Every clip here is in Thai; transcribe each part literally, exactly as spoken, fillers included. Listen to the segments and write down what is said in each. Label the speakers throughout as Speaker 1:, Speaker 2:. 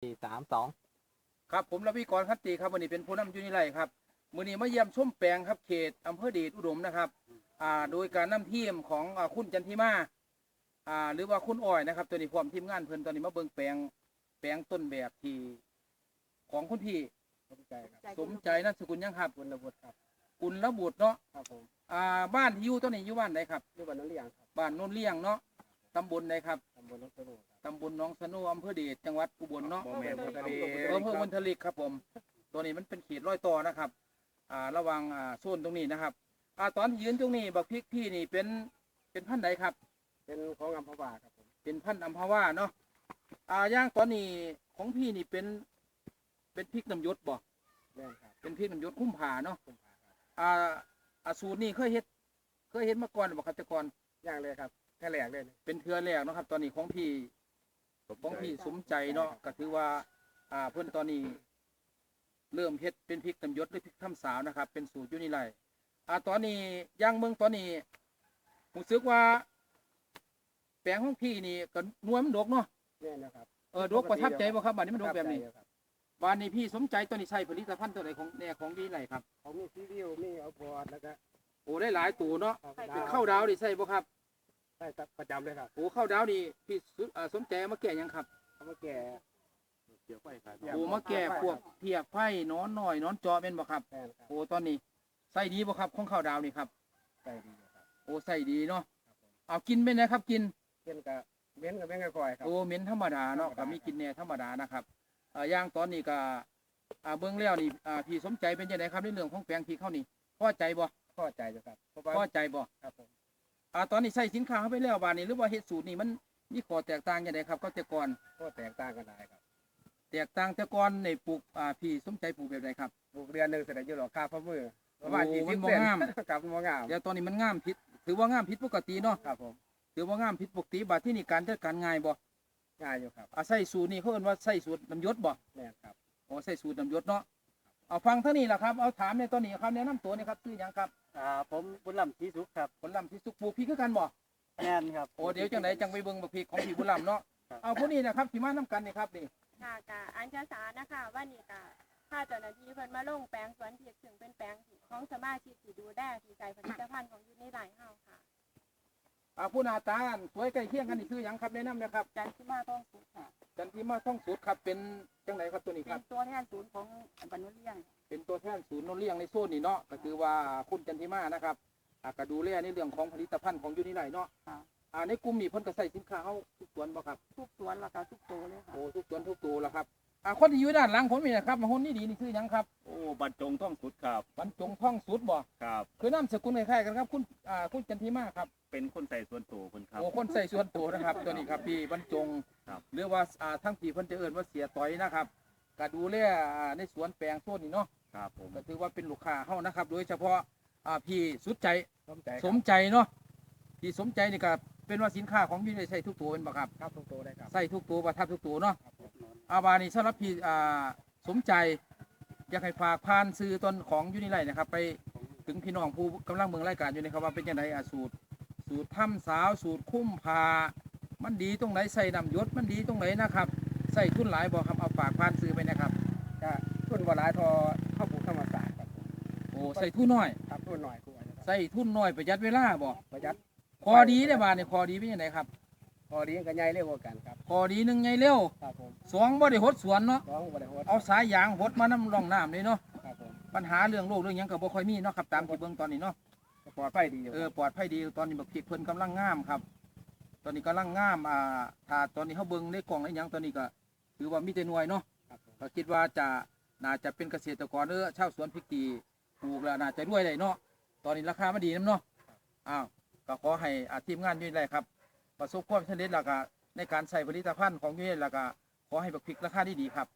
Speaker 1: สี่สามสอง
Speaker 2: ครับผมรวิกรคัตติครับวันนี้เป็นผู้นำอยู่นี่ไรครับมื้อนี้มาเยี่ยมชมแปลงครับเขตอำเภอเดชอุดมนะครับอ่าโดยการนำทีมของอ่าคุณจันทิมาอ่าหรือว่าคุณอ้อยนะครับตัวนี้พร้อมทีมงานเพิ่นตอนนี้มาเบิ่งแปลงแปลงต้นแบบที่ของคุณพี่สมใจครับสมใจนามสกุลยังครับกุลบุตรครับกุลบุตรเนาะครับผมอ่าบ้านที่อยู่ตัวนี้อยู่บ้านใดครับอยู่บ้านโนนเลี้ยงครับบ้านโนนเลี้ยงเนาะตำบลใดครับตำบลหนองสนุตำบลหนองสนุอำเภอเดชจังหวัดอุบลเนาะอำเภอบุญทลิกครับผมตัวนี้มันเป็นเขตร้อยต่อนะครับอ่าระวังอ่าโซนตรงนี้นะครับอ่าตอนที่ยืนตรงนี้บักพริกพี่นี่เป็นเป็นพันธุ์ใดครับเป็นของอัมพวาครับผมเป็นพันธุ์อัมพวาเนาะอ่าย่างตอนนี้ของพี่นี่เป็นเป็นพริกน้ำยศบ่เป็นพริกน้ำยศคุ้มผาเนาะอ่าอาสูตรนี่เคยเฮ็ดเคยเฮ็ดมาก่อนบ่ครับแต่ก่อนย่างเลยครับแค่แรกเลยเป็นเทือแรกเนาะครับตอนนี้ของพี่ของพี่สมใจเนาะก็ถือว่าอ่าเพิ่นตอนนี้เริ่มเฮ็ดเป็นพริกน้ำยศหรือพริกถ้ำสาวนะครับเป็นสูตรอยู่นี่ไรอ่าตอนนี้ย่างเมืองตอนนี้ผมสึกว่าแปลงของพี่นี่ก็นวลมันดกเนาะนี่นะครับเออดกประทับใจบ่ครับบ้านนี้มันดกแบบนี้บ้านนี้พี่สมใจตัวนี้ใช้ผลิตภัณฑ์ตัวไหนของแน่ของดีไรครับของมีซีวิวมีเอาพอดแล้วก็โอ้ได้หลายตัวเนาะเป็นข้าวดาวดิใช่บ่ครับใช่ประจำเลยครับโอ้ข้าวดาวนี่พี่สมใจมาแก่ยังครับเอามาแก่เกี่ยวไฟครับโอ้มาแก่พวกเพียกไฟนอนหน่อยนอนจอเป็นบ่ครับโอ้ตอนนี้ใส่ดีบ่ครับของข้าวดาวนี่ครับใส่ดีครับโอ้ใส่ดีเนาะเอากินเป็นไงครับกินกินกับเหม็นกับเหม็นกับคอยครับโอ้เหม็นธรรมดาเนาะกับมีกินแน่ธรรมดานะครับอ่าย่างตอนนี้ก็อ่าเบื้องแล้วนี่อ่าพี่สมใจเป็นยังไงครับในเรื่องของแปลงที่เข้านี่พอใจบ่พอใจจ้ะครับพอใจบ่ครับผมอ่าตอนนี้ใส่สินค้าเข้าไปแล้วบาดนี้หรือว่าเฮ็ดสูตรนี่มันมีข้อแตกต่างยังไงครับก็แต่ก่อนก็แตกต่างกันได้ครับแตกต่างแต่ก่อนในปลูกอ่าพี่สมใจปลูกแบบไหนครับปลูกเดือนหนึ่งเสร็จแล้วอยู่หรอกค่าพะมือประมาณยี่สิบเซนครับมันงามเดี๋ยวตอนนี้มันงามผิดถือว่างามผิดปกติเนาะครับผมถือว่างามผิดปกติบาดที่นี่การจัดการง่ายบ่ง่ายอยู่ครับอ่าใส่สูตรนี่เขาเอิ้นว่าใส่สูตรน้ำยศบ่แม่นครับโอ้ใส่สูตรน้ำยศเนาะเอาฟังเท่านี้แหละครับเอาถามในตอนนี้ครับแนะนำตัวนี่ครับชื่อหยังครับ
Speaker 1: อ่าผมบุญลำศรีสุขครับ
Speaker 2: บุญลำศรีสุขปลูกพริกคือกันบ่
Speaker 1: แม่นครับ
Speaker 2: โอ้เดี๋ยวจังไหนจังไปเบิ่งบักพริกของพี่บุญลำเนาะเอาพวกนี้นะครับที่มานํกันนี่ครับนี่
Speaker 3: ค่ะกะอัญชาสานะคะว่านี่กะถ้าเจ้าหน้าที่เพิ่นมาลงแปลงสวนพริกถึงเป็นแปลงของสมาชิกที่ดูแลที่ใส่ผลิตภัณฑ์ของอยู่ในไร่เฮาค่ะ
Speaker 2: อ่าผู้หน้าตาสวยใกล้เคียงกันนี่คือหยังครับแนะนำนะครับ
Speaker 3: จันทิมาท่องสุดค่ะ
Speaker 2: จันทิมาท่องสุดครับเป็นจังไหนครับตัวนี้ค
Speaker 3: เป็
Speaker 2: รับ
Speaker 3: นตัวแทนศูนย์ของบรรนุเลี้ยง
Speaker 2: เป็นตัวแทนศูนย์โนเลี้ยงในโซนนี่เนาะก็คือว่าคุณจันทิมานะครับอ่าก็ดูแลในเรื่องของผลิตภัณฑ์ของอยู่ในไร่เนาะอ่าในกลุ่มนี้เพิ่นก็ใส่สินค้าเฮาทุกสวนบ่ครับ
Speaker 3: ทุกสวนแล้วก็ทุกตัวเลยค่ะ
Speaker 2: โอ้ทุกสวนทุกตัวแล้วครับอ่าคนที่อยู่ด้านหลังผมนี่นะครับมาหุ่นนี่ดีนี่คือหยังครับ
Speaker 1: โอ้บรรจงท่องสุดครับ
Speaker 2: บรรจงท่องสุดบ่
Speaker 1: ครับ
Speaker 2: คือนามสกุลคล้ายๆกันครับคุณอ่าคุณจันทิมาครับ
Speaker 1: เป็นคนใส่ส่วนตัวคนครับ
Speaker 2: โอ้คนใส่ส่วนตัวนะครับตัวนี้ครับพี่บรรจงหรือว่าอ่าทั้งที่เพิ่นจะเอิ้นว่าเสียต่อยนะครับก็ดูแลอ่าในสวนแปลงโซนนี่เนาะ
Speaker 1: ครับผม
Speaker 2: ก็ถือว่าเป็นลูกค้าเฮานะครับโดยเฉพาะอ่าพี่สุดใจ
Speaker 1: สมใจ
Speaker 2: สมใจเนาะพี่สมใจนี่ก็เป็นว่าสินค้าของพี่ได้ใช้ทุกตัวเป็นบ่ครับ
Speaker 1: ครับทุกตัวได้ครับ
Speaker 2: ใส่ทุกตัวประทับทุกตัวเนาะอาบานี่สำหรับพี่อ่าสมใจอยากให้ฝากผ่านซื้อต้นของยูนิไลนะครับไปถึงพี่น้องผู้กำลังเมืองรายการอยู่นะครับว่าเป็นยังไงอ่ะสูตรสูตรถ้ำสาวสูตรคุ้มพามันดีตรงไหนใส่น้ำยศมันดีตรงไหนนะครับใส่ทุนหลายบ่ครับเอาฝากผ่านซื้อไปนะครับ
Speaker 1: ก็ทุนบ่หลายทอเข้าปลูกธรรมศาสตร์ครับ
Speaker 2: โอ้ใส่ทุนน้อย
Speaker 1: ครับทุนน้อย
Speaker 2: ใส่ทุนน้อยประหยัดเวลาบ่
Speaker 1: ประหยัด
Speaker 2: พอดีได้บาทนี่พอดีเป็นยังไงครับ
Speaker 1: พอดีก็ใหญ่เร็วกว่ากันครับ
Speaker 2: พอดีหนึ่งใหญ่เร็ว
Speaker 1: ครับผม
Speaker 2: สองบ่ได้หดสวนเนาะ
Speaker 1: สองบ่ได้หด
Speaker 2: เอาสายยางหดมาน้ำร่องน้ำเลยเนาะ
Speaker 1: ครับผม
Speaker 2: ปัญหาเรื่องโรคเรื่องหยังก็บ่ค่อยมีเนาะครับตามที่เบิ่งตอนนี้เนาะ
Speaker 1: ปลอดภัยดี
Speaker 2: เออปลอดภัยดีตอนนี้บักพริกเพิ่นกำลังงามครับตอนนี้กำลังงามอ่าถ้าตอนนี้เฮาเบิ่งในกล่องในหยังตอนนี้ก็ถือว่ามีแต่หน่วยเนาะก็คิดว่าจะน่าจะเป็นเกษตรกรเออชาวสวนพริกที่ปลูกแล้วน่าจะรวยได้เนาะตอนนี้ราคามันดีนำเนาะอ้าวก็ขอให้ทีมงานอยู่ได้ครับประสบความสำเร็จแล้วก็ในการใส่ผลิตภัณฑ์ของยูนิแล้วก็ขอให้บักพริกราคาดีๆครับ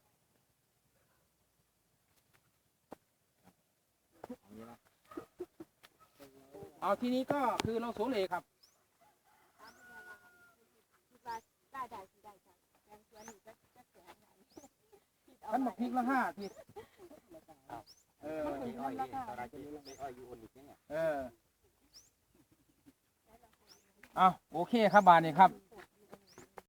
Speaker 2: เอาทีนี้ก็คือเราโสเลครับท่านบักพริกละห้าทีเออเออเอาโอเคครับบานนี้ครับ